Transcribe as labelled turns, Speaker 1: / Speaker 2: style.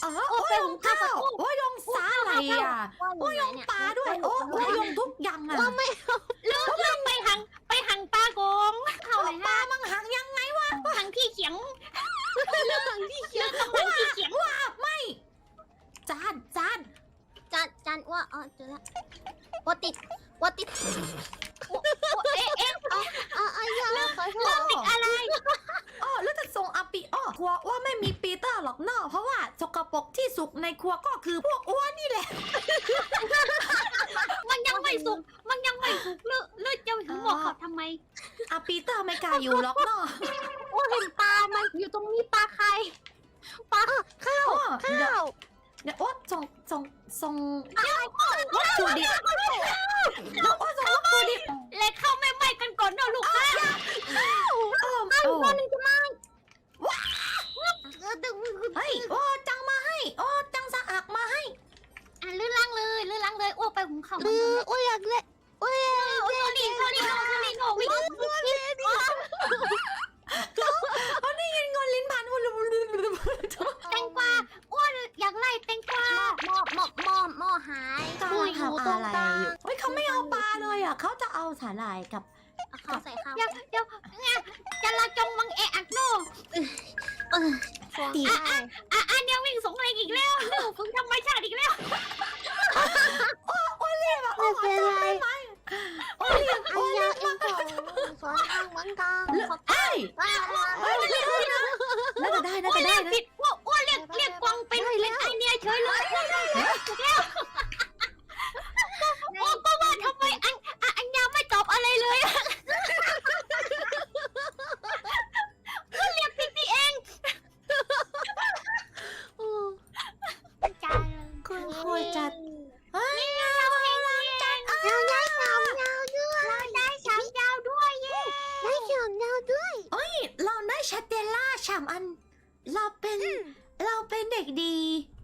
Speaker 1: อ๋อ
Speaker 2: โอ้ไปหุงข้าวกับกุ้ง
Speaker 1: โอ้ยงสาอะไรอ่ะ โอ้ยงปลาด้วย โอ้ยงทุกอย่างอ่ะ
Speaker 3: ว่าไม่
Speaker 2: เลือกไปหังปลาโกงเขาเลย
Speaker 1: ปลา
Speaker 2: ฮะ
Speaker 1: มังหังยังไงวะ
Speaker 2: หังที่เขียง
Speaker 3: เรื่องที่เขียน
Speaker 2: ต้องหังที่เขียง
Speaker 1: ว่าไม่จาน
Speaker 3: จานว่าอ๋อเจอละว่าติดว่าติด
Speaker 2: เอ๊ะ
Speaker 3: อย่าขอโทษ
Speaker 2: ติดอะไร
Speaker 1: อ๋อแล้วจะส่งอาปิอ้อครัวว่าไม่มีปีเตอร์หรอกเนอะเพราะว่าสกปรกที่สุกในครัวก็คือพวกอ้วนนี่แหละ
Speaker 2: มันยังไม่สุกเลือกจะถึงบอกเขาทำไม
Speaker 1: อาปีเตอร์ไม่กล้าอยู่หรอกเนอะ
Speaker 2: โอ้เห็นปลามันอยู่ตรงนี้ปลาใคร
Speaker 3: ข้าว
Speaker 1: อ๋อ
Speaker 3: ข้าว
Speaker 1: เดี๋ยวโอ๊ตส่งวัตถุดิบเดี๋ยวโอ๊ตส่งวัตถุดิบ
Speaker 2: เล็กเข้าไม่ไหม้กันก่อนเนอะลูกค้า
Speaker 3: ตัวนึงจะมาดึง
Speaker 1: เฮ้ยโอ้จังมาให้โอ้จังสะอักมาให้
Speaker 2: ลื่นล้างเลยโอ้ไปหุงข้าว
Speaker 3: โอ้ยอยากเล่นโอ้ย
Speaker 2: โทนี่โนวิ่ง
Speaker 1: เขาได้ยินเงินลิ้นพันหุ่น
Speaker 2: แตงกวาอ้วนอยากไล่แตงกวา
Speaker 3: หม้อหาย
Speaker 1: กำลังทำอะไรอยู่เฮ้ยเขาไม่เอาปลาเลยอ่ะเขาจะเอาสาหร่ายกับ
Speaker 3: ข้าวใส่ข้าว
Speaker 2: เดี๋ยวจะละจงมังเอะอักโน
Speaker 1: ตี
Speaker 2: อันเนี้ยวิ่งสงเลงอีกแล้วลูกฝึกธรรมชาติอีกแล้ว
Speaker 3: ไม่เป็นไร
Speaker 1: โอ้ย
Speaker 3: อันยาเองของสอนทางเหมือนกัน
Speaker 1: เอ้ย
Speaker 3: ว้าว
Speaker 1: น่าจะได้นะ
Speaker 2: อ้วนเรียกผิดอ้วนเรียกกวางเป็นไอเนียเฉยเลยโอ้ก็ว่าทำไมอันยาไม่ตอบอะไรเลยก็เรียกผิดนี่เองจ้า
Speaker 1: คุณครูจัดเฮ้ย
Speaker 2: เราเองจัน
Speaker 3: ยาวด้วย
Speaker 2: เราได้สามดาวด้วยเย้
Speaker 3: ได้เขียนยาวด้วย
Speaker 1: เราได้ชาเตลล่าฉ่ำอัน เราเป็นเด็กดี